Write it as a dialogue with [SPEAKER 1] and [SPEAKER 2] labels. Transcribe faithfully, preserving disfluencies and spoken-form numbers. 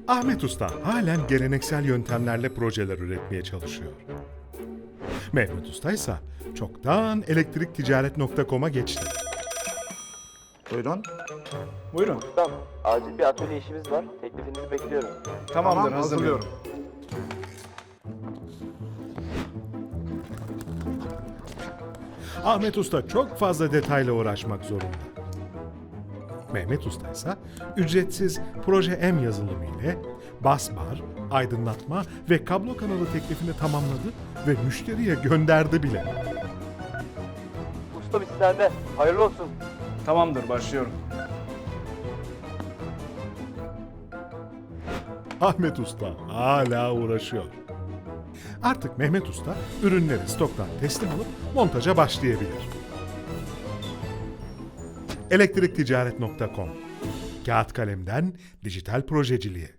[SPEAKER 1] Ahmet Usta halen geleneksel yöntemlerle projeler üretmeye çalışıyor. Mehmet Usta ise çoktan elektrikticaret nokta com'a geçti.
[SPEAKER 2] Buyurun.
[SPEAKER 3] Buyurun.
[SPEAKER 4] Ustam, acil bir atölye işimiz var. Teklifinizi bekliyorum.
[SPEAKER 3] Tamamdır,
[SPEAKER 2] Tamam,
[SPEAKER 3] hazırlıyorum.
[SPEAKER 1] Ahmet Usta çok fazla detayla uğraşmak zorunda. Mehmet Usta ise ücretsiz Proje M yazılımı ile bas bar, aydınlatma ve kablo kanalı teklifini tamamladı ve müşteriye gönderdi bile.
[SPEAKER 4] Ustam iş sende. Hayırlı olsun.
[SPEAKER 3] Tamamdır, başlıyorum.
[SPEAKER 1] Ahmet Usta hala uğraşıyor. Artık Mehmet Usta ürünleri stoktan teslim alıp montaja başlayabilir. elektrikticaret nokta com Kağıt kalemden dijital projeciliğe.